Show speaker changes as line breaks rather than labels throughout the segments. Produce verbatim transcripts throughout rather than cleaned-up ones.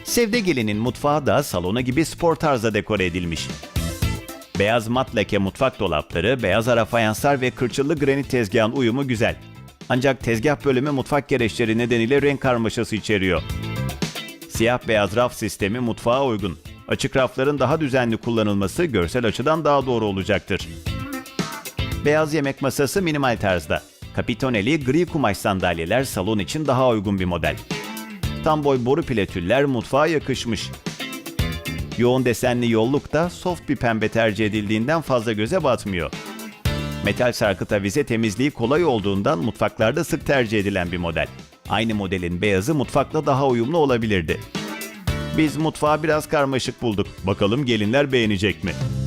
Sevdegelin'in mutfağı da salonu gibi spor tarzda dekore edilmiş. Beyaz mat leke mutfak dolapları, beyaz ara fayanslar ve kırçıllı granit tezgahın uyumu güzel. Ancak tezgah bölümü mutfak gereçleri nedeniyle renk karmaşası içeriyor. Siyah beyaz raf sistemi mutfağa uygun. Açık rafların daha düzenli kullanılması görsel açıdan daha doğru olacaktır. Beyaz yemek masası minimal tarzda. Kapitoneli gri kumaş sandalyeler salon için daha uygun bir model. Tam boy boru platüller mutfağa yakışmış. Yoğun desenli yolluk da soft bir pembe tercih edildiğinden fazla göze batmıyor. Metal sarkıt avize temizliği kolay olduğundan mutfaklarda sık tercih edilen bir model. Aynı modelin beyazı mutfakla daha uyumlu olabilirdi. Biz mutfağı biraz karmaşık bulduk. Bakalım gelinler beğenecek mi?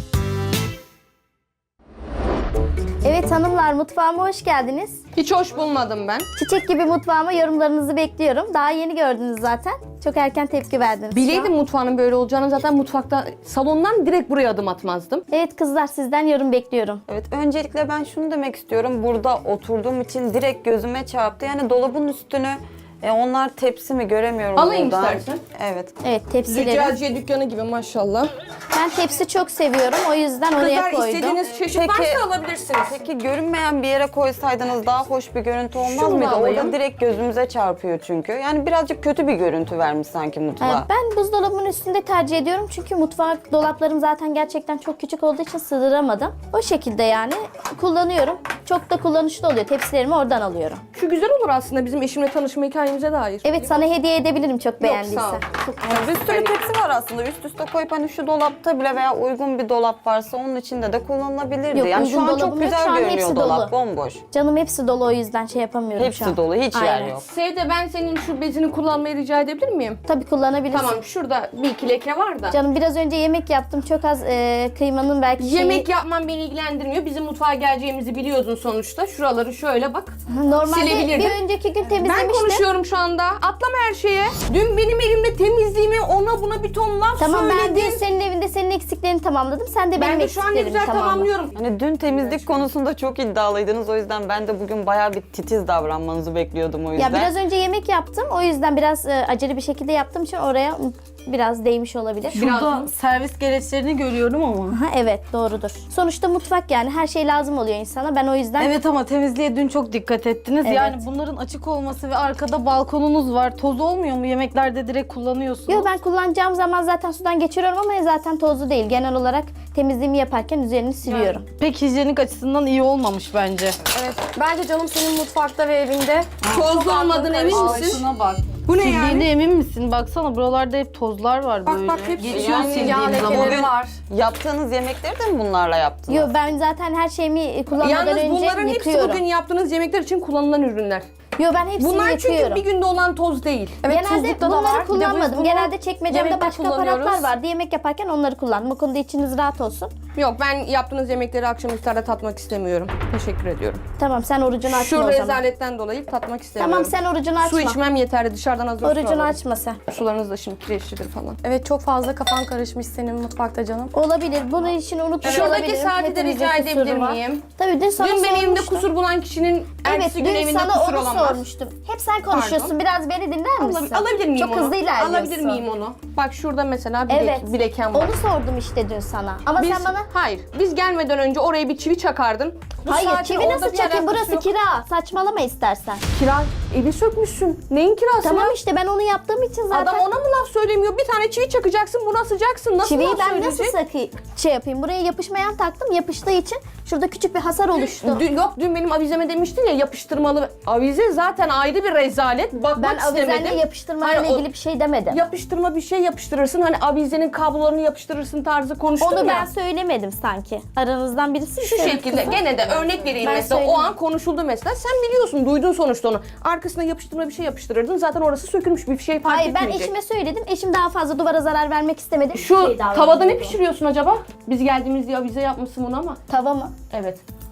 Evet hanımlar, mutfağıma hoş geldiniz.
Hiç hoş bulmadım ben.
Çiçek gibi mutfağıma yorumlarınızı bekliyorum. Daha yeni gördünüz zaten. Çok erken tepki verdiniz.
Bileydim mutfağının böyle olacağını, zaten mutfakta, salondan direkt buraya adım atmazdım.
Evet kızlar, sizden yorum bekliyorum.
Evet, öncelikle ben şunu demek istiyorum. Burada oturduğum için direkt gözüme çarptı. Yani dolabın üstünü, e, onlar tepsi mi göremiyorum
Alayım
buradan.
istersen.
Evet.
Evet, tepsileri.
Züccaciye dükkanı gibi maşallah.
Ben tepsi çok seviyorum. O yüzden oraya
Kızlar
koydum.
istediğiniz çeşit
Peki-
varsa alabilirsiniz.
Peki görünmeyen bir yere koysaydınız daha hoş bir görüntü olmaz
Şunu
mıydı?
alayım.
Orada direkt gözümüze çarpıyor çünkü. Yani birazcık kötü bir görüntü vermiş sanki
Ee,
mutfağa.
Ben buzdolabının üstünde tercih ediyorum. Çünkü mutfak dolaplarım zaten gerçekten çok küçük olduğu için sığdıramadım. O şekilde yani kullanıyorum. Çok da kullanışlı oluyor. Tepsilerimi oradan alıyorum.
Şu güzel olur aslında bizim eşimle tanışma hikayemize dair.
Evet, sana hediye edebilirim çok
Yok,
beğendiysen.
sağ ol. Çok
Yani bir sürü tepsi var aslında. Üst üste koyup hani şu dolapta bile veya uygun bir dolap varsa onun içinde de kullanılabilirdi.
Yok,
yani şu
uygun
an çok
dolabım yok.
güzel
Şu an
görünüyor
hepsi
dolap.
dolu.
Bomboş.
Canım hepsi dolu, o yüzden şey yapamıyorum
Hepsi
şu an.
dolu, hiç yer
Aynen.
yok.
Sevde, ben senin şu bezini kullanmayı rica edebilir miyim?
Tabii kullanabilirsin.
Tamam, şurada bir iki leke var da.
Canım biraz önce yemek yaptım. Çok az e, kıymanın belki şeyi...
Yemek yapman beni ilgilendirmiyor. Bizim mutfağa geleceğimizi biliyordun sonuçta. Şuraları şöyle bak.
Normalde
silebilirdim.
bir önceki gün
Ben
temizlemiştim.
konuşuyorum şu anda. Atlama her şeye. Dün benim elimde temizliğimi ona buna bir ton laf
Tamam, ben
söyledin.
dün senin evinde senin eksiklerini tamamladım. Sen de benim
Ben de şu an ne
eksiklerimi
güzel
tamamla.
tamamlıyorum.
Hani dün temizlik konusunda çok iddialıydınız. O yüzden ben de bugün bayağı bir titiz davranmanızı bekliyordum o yüzden.
Ya biraz önce yemek yaptım. O yüzden biraz e, acele bir şekilde yaptığım için oraya biraz değmiş olabilir.
Burada servis gereçlerini görüyorum ama.
Ha, evet doğrudur. Sonuçta mutfak, yani her şey lazım oluyor insana. Ben o yüzden
Evet ama temizliğe dün çok dikkat ettiniz.
Evet.
Yani bunların açık olması ve arkada balkonunuz var. Toz olmuyor mu? Yemeklerde direkt kullanıyorsunuz.
Yo, ben kullanacağım zaman zaten sudan geçiriyorum ama zaten tozlu değil. Genel olarak temizliğimi yaparken üzerini siliyorum.
Pek hijyenik açısından iyi olmamış bence.
Evet. Bence canım senin mutfakta ve evinde
Tozlu olmadığın emin misin?
Şuna bak.
Bu ne
Sildiğine
yani?
emin misin? Baksana buralarda hep tozlar var
Bak,
böyle.
bak, hepsi
Geçiyor
yani
sildiğim
yağ
zaman.
lekeleri
Bugün
var.
yaptığınız yemekleri de mi bunlarla yaptınız?
Yo, ben zaten her şeyimi kullanmadan
Yalnız
önce
bunların hepsi
yıkıyorum.
bugün yaptığınız yemekler için kullanılan ürünler.
Yo, ben hepsini
Bunlar
yıkıyorum.
çünkü bir günde olan toz değil.
Evet,
Genelde
tuzlukta da
bunları
var. Bir de biz
kullanmadım.
bunu
Genelde çekmecemde
yemekte
başka
kullanıyoruz.
aparatlar vardı. Yemek yaparken onları kullandım. O konuda içiniz rahat olsun.
Yok, ben yaptığınız yemekleri akşam iftarda tatmak istemiyorum. Teşekkür ediyorum.
Tamam, sen orucunu açma
Şu
o zaman.
rezaletten dolayı tatmak istemiyorum.
Tamam, sen orucunu açma.
Su içmem yeterli, dışarıdan hazır su
Orucunu
alırım.
açma sen.
Sularınız da şimdi kireçlidir falan.
Evet, çok fazla kafan karışmış senin mutfakta canım.
Olabilir. Bunun için unutmuş
Şuradaki
olabilirim.
saati de
Hepimizin
rica
kusuru
edebilir
var.
miyim?
Tabii dün sana
Dün benim evimde
sormuştum.
kusur bulan kişinin
Evet,
ertesi gün
dün
evinde
sana
kusur
onu
olamaz.
sormuştum. Hep sen konuşuyorsun.
Pardon.
Biraz beni dinler misin?
Alab- alabilir miyim
Çok
onu?
hızlı ilerliyorsun.
Alabilir miyim onu? Bak şurada mesela bir,
Evet.
lek- bir lekem var.
Onu sordum işte dün sana. Ama
Biz,
sen bana...
Hayır, biz gelmeden önce oraya bir çivi çakardın. Bu
Hayır,
saatin
çivi
orada
nasıl
bir
çakayım?
alakası
Burası
yok.
kira. Saçmalama istersen.
Kira, evi sökmüşsün. Neyin kirası
Tamam
ya?
işte, ben onu yaptığım için zaten...
Adam ona mı laf söylemiyor? Bir tane çivi çakacaksın, buna asacaksın. Nasıl
Çiviyi
laf
ben nasıl
söyleyecek?
sakı şey yapayım? Buraya yapışmayan taktım. Yapıştığı için şurada küçük bir hasar oluştu.
Dün, yok dün benim avizeme demiştin ya, yapıştırmalı. Avize zaten ayrı bir rezalet. Bakmak
Ben
istemedim.
avizenle yapıştırmayla
Hayır, o-
ilgili bir şey demedim.
Yapıştırma bir şey yapıştırırsın. Hani avizenin kablolarını yapıştırırsın tarzı konuştum
Onu
ya.
ben söylemedim sanki. Aranızdan birisi mi
Şu
söyledi
şekilde
kızım?
gene de örnek vereyim
Ben
mesela, o
söylemedim.
an konuşuldu mesela, sen biliyorsun, duydun sonuçta onu. Arkasına yapıştırma bir şey yapıştırırdın, zaten orası sökülmüş, bir şey fark
Hayır, ben
etmeyecek.
eşime söyledim. Eşim daha fazla duvara zarar vermek istemedi.
Şu
Şey davrandı.
tavada ne pişiriyorsun acaba? Biz geldiğimizde avize yapmışsın bunu ama.
Tava mı?
Evet.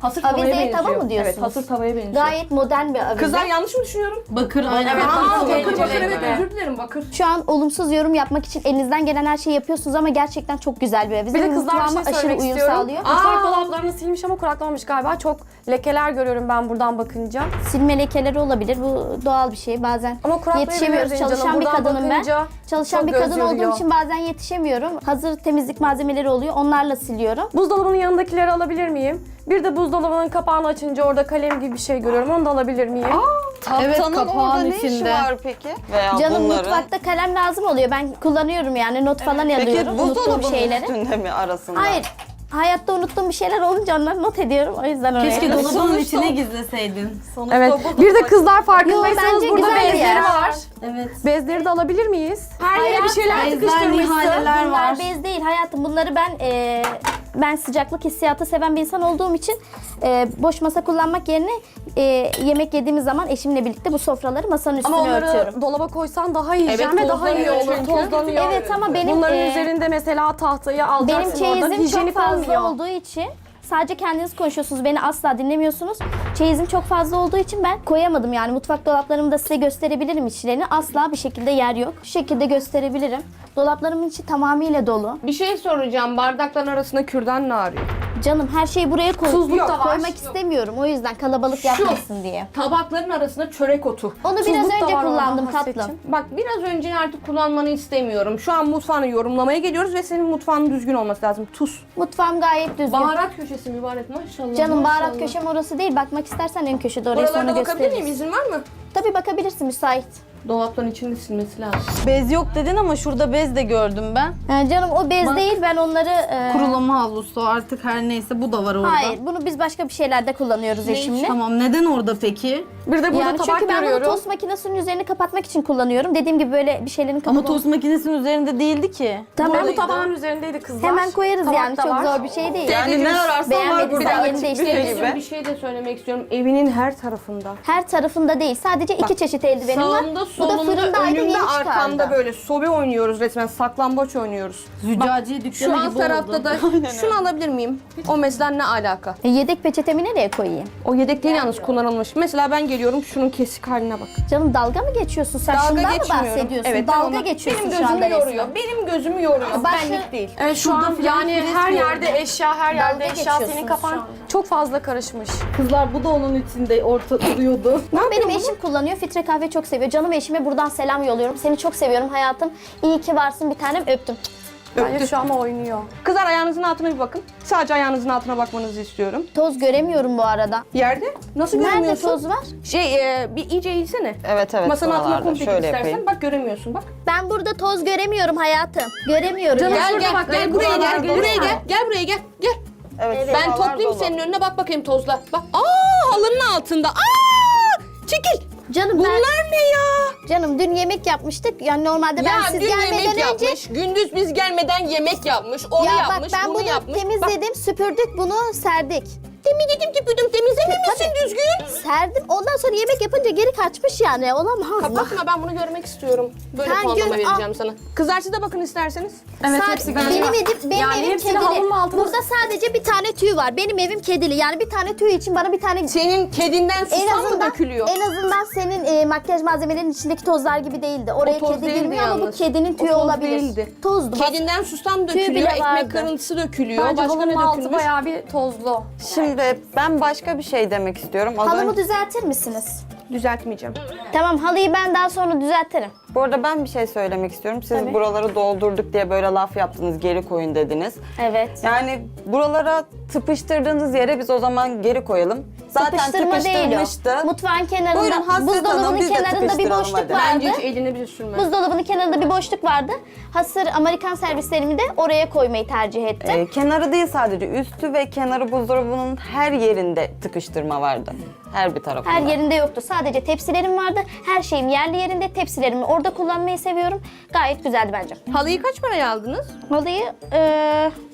Hasır tavaya
Avizeye
benziyor.
tava mı diyorsunuz?
Evet, hasır tavaya benziyor.
Gayet modern bir avize.
Kızlar yanlış mı düşünüyorum?
Bakır aynen.
Evet,
Aa,
bakır,
bakır
bakır,
bakır evet
bakır.
özür dilerim bakır.
Şu an olumsuz yorum yapmak için elinizden gelen her şeyi yapıyorsunuz ama gerçekten çok güzel bir avize.
Bir de
Ve
kızlar bir
mutfağıma
şey
aşırı
söylemek
uyum
istiyorum.
sağlıyor.
Mutfak dolaplarını silmiş ama kuraklamamış galiba. Çok lekeler görüyorum ben buradan bakınca.
Silme lekeleri olabilir. Bu doğal bir şey. Bazen
Ama kuraklayabiliriz
yetişemiyoruz.
canım.
Çalışan bir
Buradan
kadınım ben.
bakınca
Çalışan
çok
bir
göz
kadın olduğum
yoruyor.
için bazen yetişemiyorum. Hazır temizlik malzemeleri oluyor. Onlarla siliyorum.
Buzdolabının yanındakileri alabilir miyim? Bir de buzdolabının kapağını açınca orada kalem gibi bir şey görüyorum. Onu da alabilir miyim?
Evet,
Tahtanın orada
kapağın
ne işi
içinde.
var peki? Veya
Canım
bunların.
mutfakta kalem lazım oluyor. Ben kullanıyorum yani. Not falan
Peki
alıyorum. Unuttuğum
buzdolabının
şeyleri.
üstünde mi arasında?
Hayır. Hayatta unuttuğum bir şeyler olunca onları not ediyorum. O yüzden oraya.
Keşke dolabının
Sonuçta-
içine gizleseydin.
Sonuçta
Evet.
bu
Bir de
dolap-
kızlar
Yo,
farkındaysanız
bence
burada
güzel bir
bezleri
yer.
var.
Evet.
Bezleri de alabilir miyiz?
Her yere bir şeyler
Ezber
tıkıştırmışsın.
nihaleler
Bunlar
var.
bez değil hayatım. Bunları ben e, ben sıcaklık hissiyatı seven bir insan olduğum için e, boş masa kullanmak yerine e, yemek yediğimiz zaman eşimle birlikte bu sofraları masanın üstüne
Ama onları
örtüyorum.
dolaba koysan daha yiyeceğim
Evet,
ve daha iyi
tozlanıyor
olur.
çünkü.
Tozlanıyor.
Evet ama benim
Bunların
e,
üzerinde mesela tahtayı
benim
alacaksın oradan.
çeyizim çok
Hijyenik
fazla
olmuyor.
olduğu için sadece kendiniz konuşuyorsunuz. Beni asla dinlemiyorsunuz. Çeyizim çok fazla olduğu için ben koyamadım yani. Mutfak dolaplarımı da size gösterebilirim içlerini. Asla bir şekilde yer yok. Şu şekilde gösterebilirim. Dolaplarımın içi tamamıyla dolu.
Bir şey soracağım. Bardakların arasında kürdan ne arıyor?
Canım her şeyi buraya koy
Tuzluk da var.
koymak istemiyorum. O yüzden kalabalık yapmasın diye.
Tabakların arasında çörek otu.
Onu biraz
Tuzluk da
önce
var
kullandım
oradan
tatlım.
Hasretciğim.
Bak biraz önce artık kullanmanı istemiyorum. Şu an mutfağını yorumlamaya geliyoruz ve senin mutfağının düzgün olması lazım. Tuz.
Mutfağım gayet düzgün.
Baharat köşesi mübarek maşallah.
Canım baharat
maşallah.
köşem orası değil. Bakmak istersen en köşede oraya sonra
Buralarda bakabilir miyim?
gösteririz.
İzin var mı?
Tabii bakabilirsin müsait.
Dolapların içinde silmesi lazım.
Bez yok dedin ama şurada bez de gördüm ben.
Ee, canım o bez
Bak.
değil ben onları... e,
Kurulama havlusu artık her neyse bu da var orada.
Hayır bunu biz başka bir şeylerde kullanıyoruz eşimle.
Tamam neden orada peki?
Bir de burada
Yani
tabak
çünkü ben bunu
görüyorum.
tost makinesinin üzerini kapatmak için kullanıyorum. Dediğim gibi böyle bir şeylerin kapalı.
Ama tost makinesinin üzerinde değildi ki.
Tamam.
Ve bu tabağın üzerindeydi kızlar.
Hemen koyarız
Tabak
yani
da
çok
var.
zor bir şey değil.
Yani ne ararsan var
Beğenmediysen
burada
yerini
açık büfe
değiştirebilirsin.
gibi.
Bir şey de söylemek istiyorum. Evinin her tarafında.
Her tarafında değil. Sadece iki çeşit eldivenim var.
Sağımda,
Bu da
solumda,
fırındaydı
önümde,
yeni
arkamda
çıkardı.
böyle sobe oynuyoruz resmen. Saklambaç oynuyoruz.
Züccaciye
Şu
dükkanı
alt
gibi
tarafta
oldu.
da şunu alabilir miyim? O mesela ne alaka?
E, yedek peçetemi nereye koyayım?
O yedek değil yalnız kullanılmış. Mesela ben geliyorum şunun kesik haline bak.
Canım dalga mı geçiyorsun sen?
Dalga
Şundan mı
geçmiyorum.
bahsediyorsun?
Evet,
dalga
tamam.
geçiyorsun
Benim
şu anda
gözümü yoruyor.
resmen.
Benim gözümü yoruyor.
Başka-
Benlik değil.
Evet şu an yani her yerde eşya, her yerde
Dalga
eşya.
geçiyorsunuz
Senin
şu
kafan
anda.
çok fazla karışmış.
Kızlar bu da onun içinde orta duruyordu.
Ama benim eşim kullanıyor. Filtre kahve çok seviyor. Canım eşime buradan selam yolluyorum. Seni çok seviyorum hayatım. İyi ki varsın bir tanem öptüm.
Bence şu an oynuyor.
Kızlar ayağınızın altına bir bakın. Sadece ayağınızın altına bakmanızı istiyorum.
Toz göremiyorum bu arada.
Yerde. Nasıl
Nerede
göremiyorsun?
toz var?
Şey e, bir iyice eğilsene.
Evet evet.
Masanın altına
buralarda.
komple git
Şöyle
istersen.
yapayım.
Bak göremiyorsun bak.
Ben burada toz göremiyorum hayatım. Göremiyorum.
Canım,
yani.
Gel
şurada
gel
bak,
gel
evet,
buraya
buralar
gel.
geliyor.
Buraya gel. Gel buraya gel. Gel.
Evet,
Ben
buralar
toplayayım
dolu.
senin önüne bak bakayım tozla. Bak. Aa halının altında. Aa! Çekil.
Canım ben,
Bunlar ne ya?
canım dün yemek yapmıştık. Yani normalde ben
Ya
siz
dün
gelmeden
yemek
önce
yapmış. Gündüz biz gelmeden yemek yapmış. Onu
ya
yapmış.
bak ben
bunu,
bunu
yapmış. Bak,
temizledim, süpürdük, bunu serdik.
temizledim tüpürdüm. Temizlememişsin düzgün.
Serdim. Ondan sonra yemek yapınca geri kaçmış yani. Olamaz mı?
Kapatma ben bunu görmek istiyorum. Böyle
Sen
puanlama
gör-
vereceğim sana. Kızlar siz de bakın isterseniz.
Evet
Sa-
hepsi
benim
galiba.
evim, benim
Yani
evim
hepsini
kedili.
halının altına-
Burada sadece bir tane tüy var. Benim evim kedili. Yani bir tane tüy için bana bir tane...
Senin kedinden
En
susam mı
azından,
dökülüyor?
en azından senin e, makyaj malzemelerinin içindeki tozlar gibi değildi. Oraya
toz
kedi
değildi
girmiyor ama bu
yalnız.
kedinin
O
tüyü
toz
olabilir.
değildi.
Tozdu.
Kedinden susam
Tüy
dökülüyor,
bile
ekmek
vardı.
kırıntısı dökülüyor.
Bence
Başka ne
halının altı
dökülmüş?
bayağı bir tozlu.
Şimdi ben başka bir şey demek istiyorum. Az
Halımı
önce-
düzeltir misiniz?
Düzeltmeyeceğim.
Tamam halıyı ben daha sonra düzeltirim.
Bu arada ben bir şey söylemek istiyorum. Siz
Tabii.
buraları doldurduk diye böyle laf yaptınız, geri koyun dediniz.
Evet.
Yani buralara tıpıştırdığınız yere biz o zaman geri koyalım. Zaten
Tıpıştırma değil
tıpıştırmıştı.
o. Mutfağın kenarında,
Buyurun Hasret Hanım,
buzdolabının
biz de
kenarında bir
tıpıştıralım
boşluk
hadi.
vardı.
Bence hiç eline bile sürme.
Buzdolabının kenarında bir boşluk vardı. Hasır Amerikan servislerimi de oraya koymayı tercih ettim.
Ee, kenarı değil sadece üstü ve kenarı buzdolabının her yerinde tıkıştırma vardı. Her bir tarafında.
Her yerinde yoktu. Sadece tepsilerim vardı. Her şeyim yerli yerinde. Tepsilerimi orada kullanmayı seviyorum. Gayet güzeldi bence.
Halıyı kaç paraya aldınız?
Halıyı eee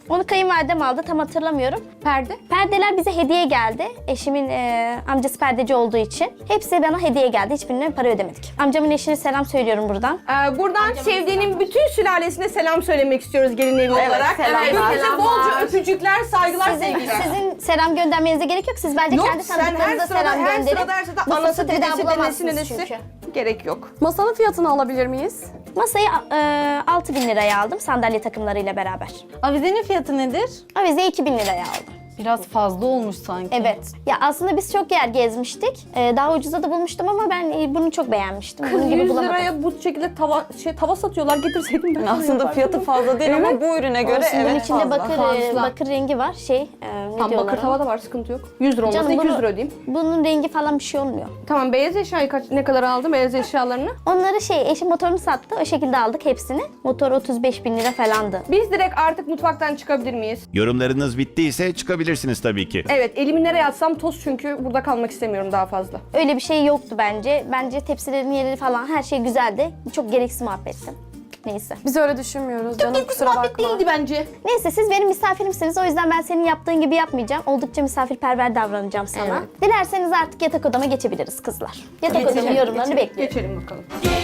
Onu kayınvalidem aldı, tam hatırlamıyorum.
Perde.
Perdeler bize hediye geldi. Eşimin e, amcası perdeci olduğu için. Hepsi bana hediye geldi. Hiçbirine para ödemedik. Amcamın eşine selam söylüyorum buradan.
Ee, buradan sevdiğinin bütün sülalesine selam söylemek istiyoruz gelin evi olarak.
selamlar.
Herkese bolca öpücükler, saygılar,
Sizin,
sevgiler.
sizin selam göndermenize gerek yok. Siz bence
Yok,
kendi
sen her
tanıdıklarınıza
sırada,
selam
her
gönderin.
sırada, her sırada
Bu
anası,
fırsatı bir daha
dedesi, dedesi,
bulamazsınız
dedesi.
çünkü.
Gerek yok.
Masanın fiyatını alabilir miyiz?
Masayı e, altı bin liraya aldım sandalye takımlarıyla beraber.
Avizenin fiyatı nedir?
Avizeyi iki bin liraya aldım.
Biraz fazla olmuş sanki.
Evet. Ya aslında biz çok yer gezmiştik. Ee, daha ucuza da bulmuştum ama ben e, bunu çok beğenmiştim.
Kız
Bunun gibi
yüz
bulamadım.
liraya bu şekilde tava, şey, tava satıyorlar, getirseydim ben.
Aslında fiyatı fazla değil ama bu ürüne göre
Olsun, bunun
evet
içinde
fazla.
bakır,
Fazla.
bakır rengi var. Şey, e, ne
Tam
diyorlar
bakır
ona?
tava da var, sıkıntı yok. yüz lira olmasa
Canım,
iki yüz
bunu-
lira ödeyeyim.
Bunun rengi falan bir şey olmuyor.
Tamam, beyaz eşyayı kaç, ne kadar aldın, beyaz eşyalarını?
Onları şey, eşim motorunu sattı. O şekilde aldık hepsini. Motor otuz beş bin lira falandı.
Biz direkt artık mutfaktan çıkabilir miyiz?
Yorumlarınız bittiyse çıkabilirsiniz tabii ki.
Evet, elimi nereye atsam toz çünkü burada kalmak istemiyorum daha fazla.
Öyle bir şey yoktu bence. Bence tepsilerin yeri falan her şey güzeldi. Çok gereksiz muhabbetti. Neyse.
Biz öyle düşünmüyoruz canım, kusura
Muhabbet
bakma.
değildi bence.
Neyse siz benim misafirimsiniz. O yüzden ben senin yaptığın gibi yapmayacağım. Oldukça misafirperver davranacağım sana.
Evet.
Dilerseniz artık yatak odama geçebiliriz kızlar. Yatak odamın yorumlarını bekliyorum.
Geçelim bakalım.